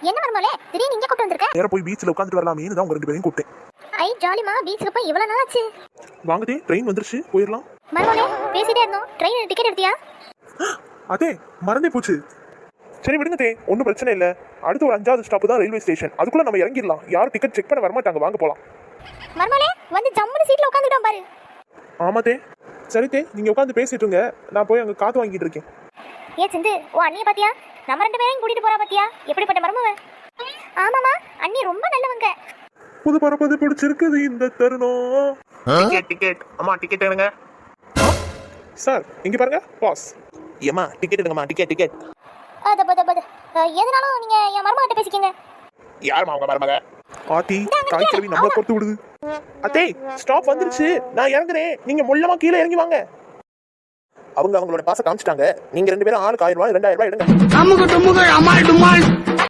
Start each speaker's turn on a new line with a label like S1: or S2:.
S1: என்ன மர்மோலே திடீர்னு இங்க கூட்டி வந்திருக்க?
S2: நேரா போய் பீச்ல உட்கார்ந்துட்டு வரலாமேன்னு தான் உங்க ரெண்டு பேரையும் கூப்பிட்டேன்.
S1: ஐ ஜாலிமா, பீச்சுக்கு போய் இவ்வளவு நாள் ஆச்சு.
S2: வாங்கதே, ட்ரெயின் வந்துருச்சு, போயிடலாம்.
S1: மர்மோலே பேசிட்டே இருந்தோம், ட்ரெயின் டிக்கெட் எடுத்தியா?
S2: அதே மறந்தே போச்சு. சரி விடுங்க தே, ஒன்றும் பிரச்சனை இல்லை. அடுத்து ஒரு 5வது ஸ்டாப் தான் ரயில்வே ஸ்டேஷன். அதுக்குள்ள நம்ம இறங்கிடலாம். யாரும் டிக்கெட் செக் பண்ண வரமாட்டாங்க. வாங்க போலாம்.
S1: மர்மோலே வந்து ஜம்முன்னு சீட்ல உட்காந்துட்டோம் பாரு.
S2: ஆமா தே. சரி தே, நீங்க உட்காந்து பேசிட்டுங்க, நான் போய் அங்க காத்து வாங்கிட்டு இருக்கேன்.
S1: ஏ சிந்து, ஓ அண்ணிய பாத்தியா? நம்ம ரெண்டு பேரையும் கூட்டிட்டு போறா பாத்தியா? எப்படிப்பட்ட மர்மவ? ஆமாமா, அண்ணி ரொம்ப நல்லவங்க.
S2: புது பரப்பது பிடிச்சிருக்குது இந்த தருணம். டிக்கெட் அம்மா, டிக்கெட் எடுங்க சார். இங்க பாருங்க பாஸ். ஏமா டிக்கெட் எடுங்கம்மா, டிக்கெட்.
S1: எதனாலும் நீங்க என் மர்ம கிட்ட பேசிக்கங்க.
S2: யாருமா அவங்க மருமக? ஆத்தி தாய் கிழவி நம்மள பொறுத்து விடுது. அத்தே ஸ்டாப் வந்துருச்சு, நான் இறங்குறேன். நீங்க முள்ளமா கீழே இறங்கி வாங்க. அவங்களோட பாச காமிச்சிட்டாங்க. நீங்க ரெண்டு பேரும் ஆளுக்கு 1000 ரூபாய் 2000 ரூபாய் எடுங்க.